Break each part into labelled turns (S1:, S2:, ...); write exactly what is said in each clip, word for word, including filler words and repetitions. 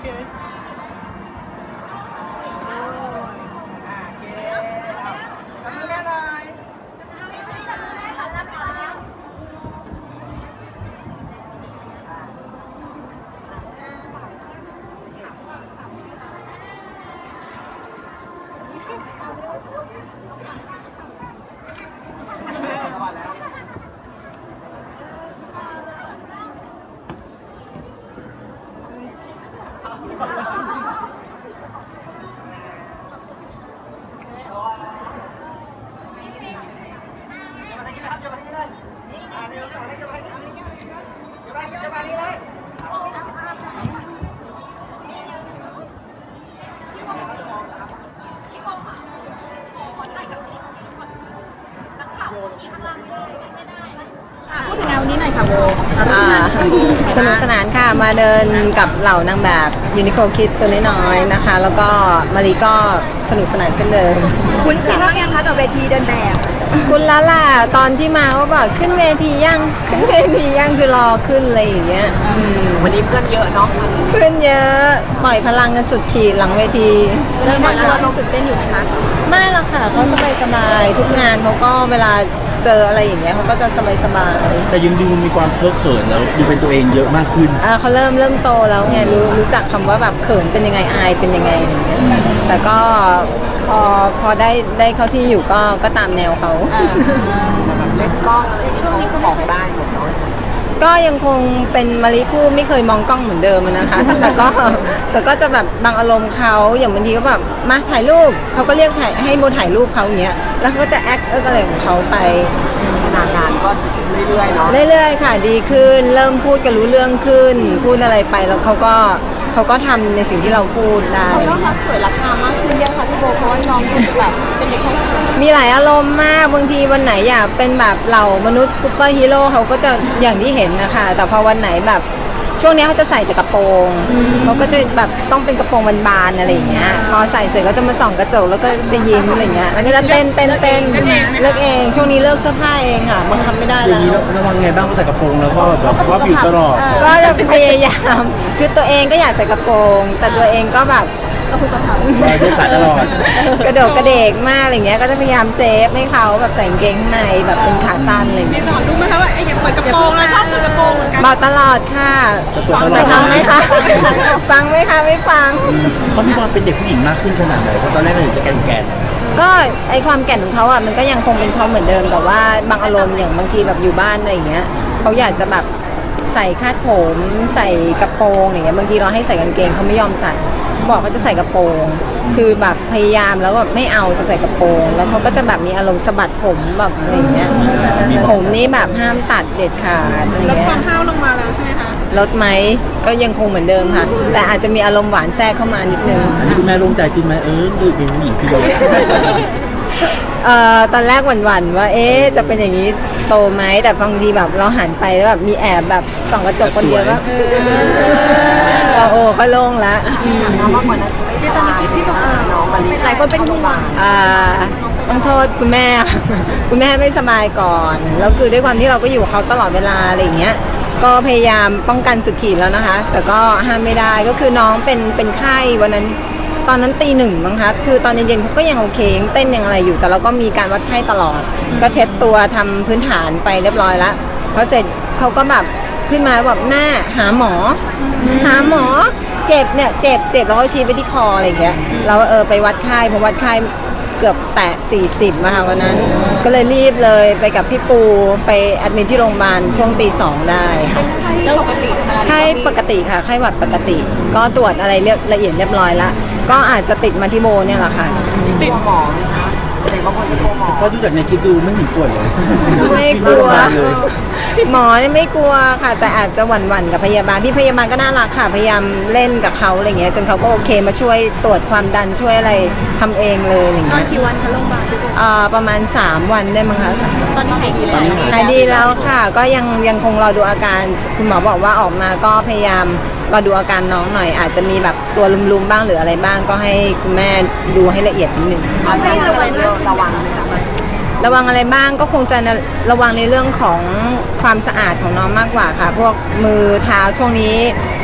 S1: พูดถึงงานวันนี้หน่อยค่ะโบ
S2: สนุกสนานค่ะมาเดินกับเหล่านางแบบยูนิโคคิดตัวน้อยๆนะคะแล้วก็มารีก็สนุกสนานเช่นเดิม
S1: คุณชินบ้างยังคะกับเวทีเดินแบบ
S2: คุณละล่ะตอนที่มาว่าบอกขึ้นเวทียังขึ้นเวทียังคือรอขึ้นอะไรอย่างเงี้ย
S1: วันนี้เพื่อนเยอะเนาะ
S2: เพื่อนเยอะปล่อยพลังกันสุดขีดหลังเวที
S1: เริ่มมาแล้วเราตื่นเต้นอยู่ไหมคะ
S2: ไม่หรอกค่ะเขาสบายสบายทุกงานเขาก็เวลาเจออะไรอย่างเงี้ยเขาก็จะสบายสบาย
S3: แต่ยังดูมีความเพ้อเขินแล้วดูเป็นตัวเองเยอะมากขึ้น
S2: อ่าเขาเริ่มเริ่มโตแล้วไงรู้รู้จักคำว่าแบบเขินเป็นยังไงอายเป็นยังไงอย่างเงี้ยแต่ก็พอพอได้ได้เข้าที่อยู่ก็ก็ตามแนวเขา
S1: เล่นกล้องอะไรช่วงนี้ก็บอกได้หมดเนาะ
S2: ก็ยังคงเป็นมาริผู้ไม่เคยมองกล้องเหมือนเดิมนะคะแต่ก็แต่ก็จะแบบบางอารมณ์เขาอย่างบางทีก็แบบมาถ่ายรูปเขาก็เรียกถ่ายให้โบถ่ายรูปเขาอย่างเงี้ยแล้วเขาก็จะแอคเอิร์กอะไรของเขาไป
S1: งานงานก็เรื่อยๆเนาะ
S2: เรื่อยๆค่ะดีขึ้นเริ่มพูดกันรู้เรื่องขึ้นพูดอะไรไปแล้วเขาก็เขาก็ทำในสิ่งที่เราพูดได้
S1: เขาก็สวยรักงามมากขึ้นเยอะค่ะพี่โบเพราะว่าน้องดูแบบเป็นเด็ก
S2: มีหลายอารมณ์มากบางทีวันไหนอยากเป็นแบบเหล่ามนุษย์ซุปเปอร์ฮีโร่เขาก็จะอย่างที่เห็นนะคะแต่พอวันไหนแบบช่วงนี้เขาจะใส่แต่กระโปรงเขาก็จะแบบต้องเป็นกระโปรงบานๆอะไรอย่างเงี้ยพอใส่เสร็จก็จะมาส่องกระจกแล้วก็จะยิ้มอะไรเงี้ยแล้วก็จะเต้นเต้นเต้นเลิกเองช่วงนี้เลิกเสื้อผ้าเองค่ะบังคับไม่ได้แล้ว
S3: อย่างนี้ระวังไงบ้างใส่กระโปรงแล้วก็แบบว่าผิวตลอด
S2: ก็จะพยายามคือตัวเองก็อยากใส่กระโปรงแต่ตัวเองก็แบบ
S1: ก็คือกระเพรา
S3: ไม่ใส่ตลอด
S2: กระโดดกระเดกมากอะไรเงี้ยก็จะพยายามเซฟให้เขาแบบใส่กางเกงข้างในแบบเป็นขาสั้นอะไรอย่างเงี้ย
S1: รู้ไหมคะว่าไอ้อย่างเปิดกระโปรงแล้วชอบเปิดกระโปรงเหมือนกัน
S2: บอกตลอดค่ะฟังไหมคะฟังไหมคะไม่ฟัง
S3: เขามีความเป็นเด็กผู้หญิงมากขึ้นขนาดไหนเพราะตอนแรกเราอยู่จะแกนแกน
S2: ก็ไอความแก่นของเขาอ่ะมันก็ยังคงเป็นเขาเหมือนเดิมแต่ว่าบางอารมณ์อย่างบางทีแบบอยู่บ้านอะไรอย่างเงี้ยเขาอยากจะแบบใส่คาดผมใส่กระโปรงอย่างเงี้ยบางทีเราให้ใส่กางเกงเขาไม่ยอมใส่บอกเขาจะใส่กระโปรงคือแบบพยายามแล้วก็ไม่เอาจะใส่กระโปรงแล้วเขาก็จะแบบมีอารมณ์สะบัดผมแบบอะไรอย่างเงี้ยผมนี่แบบห้ามตัดเด็ดขาดอะไร
S1: เงี้ยลด
S2: ค
S1: วามห้าวลงมาแล้วใช่ไหมคะ
S2: ลดไหมก็ยังคงเหมือนเดิมค่ะแต่อาจจะมีอารมณ์หวานแทรกเข้ามานิดนึง
S3: คุณแม่โล่งใจขึ้นไหมเออดูเป็นผู้หญิงขึ้นเลย
S2: เอ่อตอนแรกหวั่นๆว่าเอ๊ะจะเป็นอย่างนี้โตไหมแต่บางทีแบบเราหันไปแล้วแบบมีแอบแบบส่องกระจกคนเดียวว่าเราโอ้ก็โล่งละ
S1: น้องมากกว่านั้นที่ตอนนี้พี่บอกน้องมันหลายคนเป็นห่วง
S2: อ่าต้องโทษคุณแม่คุณแม่ไม่สบายก่อนแล้วคือด้วยความที่เราก็อยู่กับเขาตลอดเวลาอะไรอย่างเงี้ยก็พยายามป้องกันสุดขีดแล้วนะคะแต่ก็ห้ามไม่ได้ก็คือน้องเป็นเป็นไข้วันนั้นตอนนั้นตีหนึ่งมั้งคะคือตอนเย็นๆเขาก็ยังโอเคเต้นยังอะไรอยู่แต่เราก็มีการวัดไข้ตลอดก็เช็ดตัวทำพื้นฐานไปเรียบร้อยแล้วพอเสร็จเขาก็แบบขึ้นมาแบบแม่หาหมอหาหมอเจ็บเนี่ยเจ็บเจ็บแล้วก็ชี้ไปที่คออะไรอย่างเงี้ยเราเออไปวัดไข้พอวัดไข้เกือบแตะสี่สิบมาค่ะวันนั้นก็เลยรีบเลยไปกับพี่ปูไปแอดมิทที่โรงพยาบาลช่วงตีสองได้
S1: แล้วปกติ
S2: ไข้ปกติค่ะไข้หวัดปกติก็ตรวจอะไรเรียบละเอียดเรียบร้อยแล้วก็อาจจะติดมาที่โบเนี่ยแหละค่ะ
S1: ติดหมอนะคะเด็กบางคนจะกลัวหมอ
S3: ก็ดูจากในคลิปดูไม่เห็นป่วยเลย
S2: ไม่กลัวหมอเนี่ยไม่กลัวค่ะแต่อาจจะหวั่นๆกับพยาบาลพี่พยาบาลก็น่ารักค่ะพยายามเล่นกับเขาอะไรเงี้ยจนเขาก็โอเคมาช่วยตรวจความดันช่วยอะไรทำเองเลยอะไรเงี้ย
S1: กี่วันคะโรงพยาบาล
S2: อ่าประมาณสามวันได้มั้งคะ
S1: ตอนนี้หายดีแล้ว
S2: หายดีแล้วค่ะก็ยังยังคงรอดูอาการคุณหมอบอกว่าออกมาก็พยายามรอดูอาการน้องหน่อยอาจจะมีแบบตัวลุมๆบ้างหรืออะไรบ้างก็ให้คุณแม่ดูให้ละเอียดนิดนึง
S1: ให้ระวังระวัง
S2: ระวังอะไรบ้างก็คงจะระวังในเรื่องของความสะอาดของน้องมากกว่าค่ะพวกมือเท้าช่วงนี้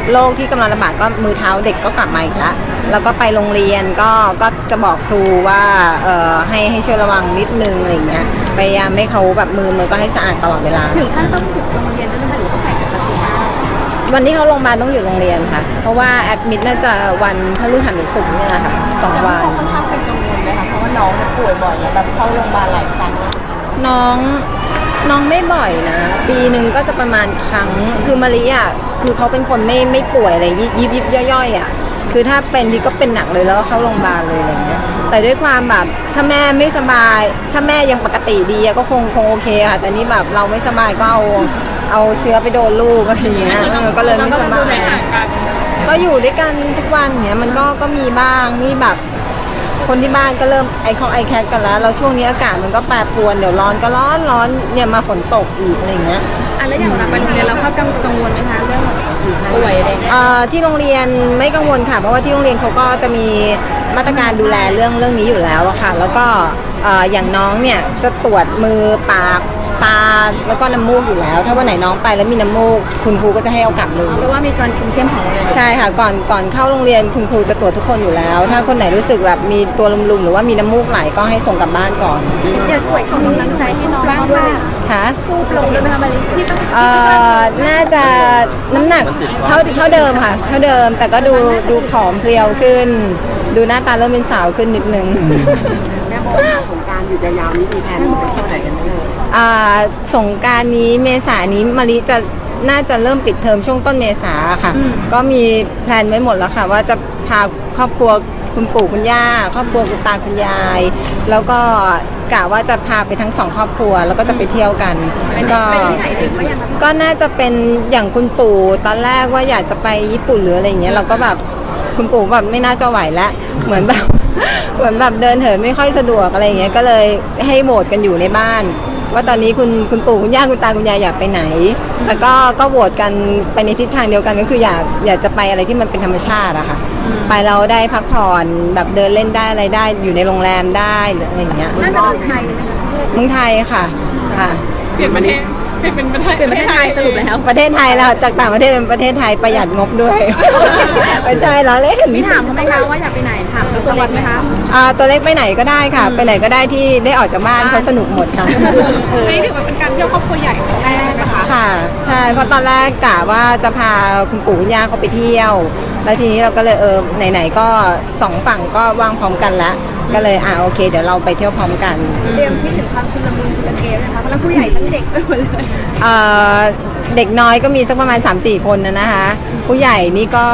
S2: โรคที่กำลังระบาดก็มือเท้าเด็กก็กลับมาอีกแล้วแล้วก็ไปโรงเรียนก็ก็จะบอกครูว่าเอ่อให้ให้ช่วยระวังนิดนึงอะไรอย่างเงี้ยพยายามให้เขาแบบมือมือก็ให้สะอาดตลอดเวลา
S1: ถึงขั้นต้องหยุดโรงเรียนด้วยนะคะหรือว่าใส่ปกติมาก
S2: วันที่เขาโรงพยาบาลต้องอยู่โรงเรียนค่ะเพราะว่าแอดมิดน่าจะวันพฤหัสหรือศุกร์เนี่ยค่ะสองวัน
S1: ค่อนข้างเป็นกังวลเลยค่ะเพราะว่าน้องเนี่ยป่วยบ่อยเนี่ยแบบเข้าโรงพยาบาลหลายครั้ง
S2: น้องน้องไม่บ่อยนะปีหนึ่งก็จะประมาณครั้งคือมาริอ่ะคือเขาเป็นคนไม่ไม่ป่วยอะไรยิบยิบยิบย่อยๆอ่ะคือถ้าเป็นทีก็เป็นหนักเลยแล้วก็เข้าโรงพยาบาลเลยอะไรเงี้ยแต่ด้วยความแบบถ้าแม่ไม่สบายถ้าแม่ยังปกติดีอะก็คงคงโอเคค่ะแต่นี่แบบเราไม่สบายก็เอาเอาเชื้อไปโดนลูกอะไรอย่างเงี้ยเออก็เลยไม่สบายก็อยู่ด้วยกันทุกวันเนี้ยมันก็ก็มีบ้างนี่แบบคนที่บ้านก็เริ่มไอคองไอแคกกันแล้วแล้วช่วงนี้อากาศมันก็แปรปรวนเดี๋ยวร้อนก็ร้อนร้อนเนี่ยมาฝนตกอีกอะไรอย่างเงี้ย
S1: อ่ะแล้วอย่างเราไปโรงเรียนเราครับกังวลไหมคะเรื่องป่วยอะไรเงี้ย
S2: เอ่อที่โรงเรียนไม่กังวลค่ะเพราะว่าที่โรงเรียนเขาก็จะมีมาตรการดูแลเรื่องเรื่องนี้อยู่แล้วอะค่ะแล้วก็เอ่ออย่างน้องเนี่ยจะตรวจมือปากตาแล้วก็น้ำมูกอยู่แล้วถ้าวันไหนน้องไปแล้วมีน้ำมูกคุณครูก็จะให้เอากลับเลย
S1: เพราะว่ามีการคุมเข้มของโรงเรียน
S2: ใช่ค่ะก่อนก่อนเข้าโรงเรียนคุณครูจะตรวจทุกคนอยู่แล้ว ถ้าคนไหนรู้สึกแบบมีตัวลุมๆหรือว่ามีน้ำมูกไหลก็ให้ส่งกลับบ้านก่อน
S1: เด็กป่วยของกำลังใจให้น้องบ้างด้วย
S2: ค่ะ
S1: พูดลงด้วยไหมคะมาริที่ต้อง
S2: เอ่อน่าจะน้ำหนักเท่าเท่าเดิมค่ะเท่าเดิมแต่ก็ดูดูผอมเพรียวขึ้น ดูหน้าตาเริ่มเป็นสาวขึ้นนิดนึง
S3: แม่โบสงกรานต์หยุดยาวๆนี้มีแผนไปเที่ยวไหนกันไหมเลย
S2: อ่าสงกรานต์นี้เมษายนนี้มาริจะน่าจะเริ่มปิดเทอมช่วงต้นเมษาค่ะก็มีแพลนไว้หมดแล้วค่ะว่าจะพาครอบครัวคุณปู่คุณย่าครอบครัวคุณตาคุณยายแล้วก็กะว่าจะพาไปทั้งสองครอบครัวแล้วก็จะไปเที่ยวกันก็ก็น่าจะเป็นอย่างคุณปู่ตอนแรกว่าอยากจะไปญี่ปุ่นหรืออะไรอย่างเงี้ยเราก็แบบคุณปู่แบบไม่น่าจะไหวแล้วเหมือนแบบเหมือนแบบเดินเหินไม่ค่อยสะดวกอะไรอย่างเงี้ยก็เลยให้โหวตกันอยู่ในบ้านว่าตอนนี้คุณคุณปู่คุณย่าคุณตาคุณยายอยากไปไหนแล้วก็ก็โหวตกันไปในทิศทางเดียวกันก็คืออยากอยากจะไปอะไรที่มันเป็นธรรมชาติอะค่ะไปเราได้พักผ่อนแบบเดินเล่นได้อะไรได้อยู่ในโรงแรมได้อะไรอย่างเงี้ย
S1: น่าจะเป็นไทยเลยไหมคะ
S2: เมืองไทยค่ะค่ะ
S1: เปลี่ยนประเทศเปลี่ยนเป็นประเทศเปลี่ยนประเทศไทยสรุปแล้ว
S2: ประเทศไทยแล้วจากต่างประเทศเป็นประเทศไทยประหยัดงบด้วยไม่ใช่แล้วเล่น
S1: มีถามเขาไหมคะว่าอยากไปไหนถามตัวเล็กไหมคะ
S2: อ่าตัวเล็กไปไหนก็ได้ค่ะไปไหนก็ได้ที่ได้ออกจากบ้านเขาสนุกหมดค่ะ
S1: นี่ถือว่าเป็นการเที่ยวครอบครัวใหญ่ของแรกนะคะ
S2: ค่ะใช่เพราะตอนแรกกะว่าจะพาคุณปู่คุณย่าเขาไปเที่ยวแล้วทีนี้เราก็เลยเออไหนๆก็สองฝั่งก็ว่างพร้อมกันแล้วก็เลยอ่าโอเคเดี๋ยวเราไปเที่ยวพร้อมกัน
S1: เตรียมที่ถึงความชุลมุนชุลเกนะคะเพราะผู้ใหญ่ทั้งเด็กไปหมดเลย
S2: เอ่อเด็กน้อยก็มีสักประมาณ สามสี่ คนนะนะคะผู้ใหญ่นี่ก็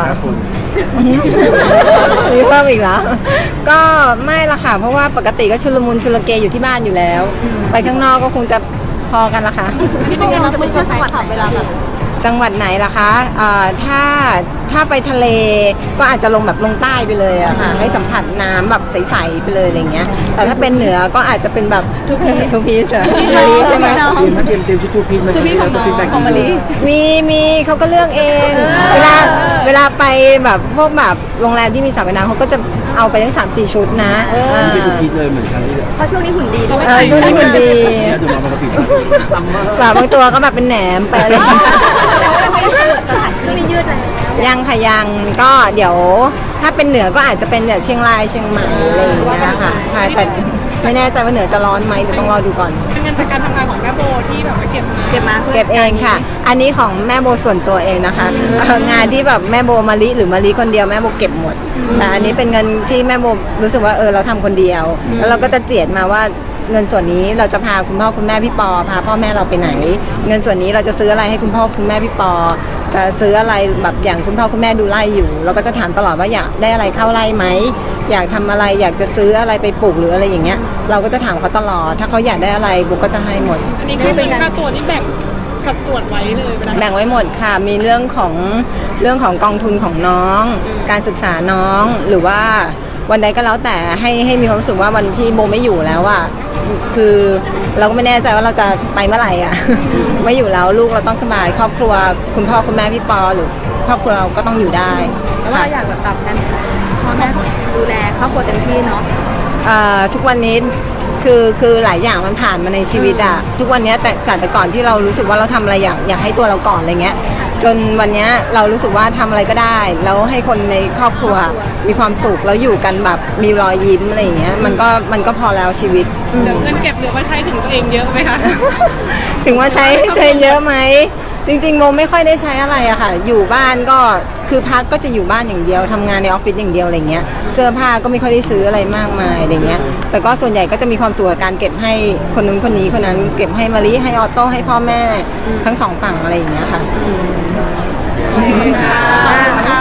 S2: มีเพิ่มอีกแล้วก็ไม่ละค่ะเพราะว่าปกติก็ชุลมุนชุลเกอยู่ที่บ้านอยู่แล้วไปข้างนอกก็คงจะพอกันละค่ะ
S1: นี่เป็นไงเราจะไปเที่ยวจังหวัดเวลาแบบ
S2: จังหวัดไหนล่ะคะเอ่อถ้าถ้าไปทะเลก็อาจจะลงแบบลงใต้ไปเลยอะค่ะให้สัมผัสน้ำแบบใสๆไปเลยอะไรเงี้ยแต่ถ้าเป็นเหนือก็อาจจะเป็นแบบทุกพีทุกพีเสือมาลีใช่ไหม
S3: เตรียมเตรียมเตรียมชุดทูพีมา
S1: ทูพีของน้องของมาลี
S2: มีมีเขาก็เลือกเองเวลาเวลาไปแบบพวกแบบโรงแรมที่มีสระว่ายน้ำเขาก็จะเอาไปทั้งสามสี่ชุดนะ
S3: เป็นทูพีเลยเหมือนกันที่
S1: เพราะช่วงนี้หุ่นดี
S2: ด้วยช่วงนี้หุ่นดีแบบบางตัวก็แบบเป็นแหนมไปเลย
S1: สถานที่ไม่ยืดเลย
S2: ยังค่ะยังก็เดี๋ยวถ้าเป็นเหนือก็อาจจะเป็นแบบเชียงรายเชียงใหม่อะไรอย่างเงี้ยค่ะแต่ไม่แน่ใจว่าเหนือจะร้อนไหมเดี๋ยวต้องรอดูก่อน
S1: เป็นงานจากการทำงานของแม่โบที่แบบเก็บมาเก็บมา
S2: เก็บเองค่ะอันนี้ของแม่โบส่วนตัวเองนะคะงานที่แบบแม่โบมาลิหรือมาลิคนเดียวแม่โบเก็บหมดแต่อันนี้เป็นเงินที่แม่โบรู้สึกว่าเออเราทำคนเดียวแล้วเราก็จะเจียดมาว่าเงินส่วนนี้เราจะพาคุณพ่อคุณแม่พี่ปอพาพ่อแม่เราไปไหนเงินส่วนนี้เราจะซื้ออะไรให้คุณพ่อคุณแม่พี่ปอจะซื้ออะไรแบบอย่างคุณพ่อคุณแม่ดูไร่อยู่เราก็จะถามตลอดว่าอยากได้อะไรเข้าไร่ไหมอยากทำอะไรอยากจะซื้ออะไรไปปลูกหรืออะไรอย่างเงี้ยเราก็จะถามเขาตลอดถ้าเขาอยากได้อะไรบุ๊กก็จะให้หมด
S1: อันนี้คือเป็นค่าตัวนี่แบ่งสัดส่วนไว้เลย
S2: แบ่งไว้หมดค่ะมีเรื่องของเรื่องของกองทุนของน้องการศึกษาน้องหรือว่าวันใดก็แล้วแต่ให้ให้มีความรู้สึกว่าวันที่โบไม่อยู่แล้วอ่ะคือเราก็ไม่แน่ใจว่าเราจะไปเมื่อไหร่อ่ะไม่อยู่แล้วลูกเราต้องสบายครอบครัวคุณพ่อคุณแม่พี่ปอหรือครอบครัวเราก็ต้องอยู่ได้
S1: แล้วเราอยากแบบตอบแทนพ่อแม่ดูแลครอบครัวเต็มที่เนาะ
S2: ทุกวันนี้คคือคือหลายอย่างมันผ่านมาในชีวิตอะทุกวันเนี้ยแต่จากแต่ก่อนที่เรารู้สึกว่าเราทำอะไรอยากอยากให้ตัวเราก่อนอะไรเงี้ยจนวันเนี้ยเรารู้สึกว่าทำอะไรก็ได้แล้วให้คนในครอบครัวมีความสุขแล้วอยู่กันแบบมีรอยยิ้มอะไรอย่างเงี้ยมันก็มันก็พอแล้วชีวิต
S1: เหลือเงินเก็บเหลือมาใช้ถึงตัวเองเยอะไหมคะ
S2: ถึงว่าใช้เงินเยอะไหมจริงๆโมไม่ค่อยได้ใช้อะไรอะค่ะอยู่บ้านก็คือพักก็จะอยู่บ้านอย่างเดียวทำงานในออฟฟิศอย่างเดียวอะไรเงี้ยเสื้อผ้าก็ไม่ค่อยได้ซื้ออะไรมากมายอะไรเงี้ยแต่ก็ส่วนใหญ่ก็จะมีความสุขกับการเก็บให้คนนู้นคนนี้คนนั้นเก็บให้มารีให้ออโต้ให้พ่อแม่ทั้งสองฝั่งอะไรอย่างเงี้ยค่ะ
S1: ขอบคุณค่ะ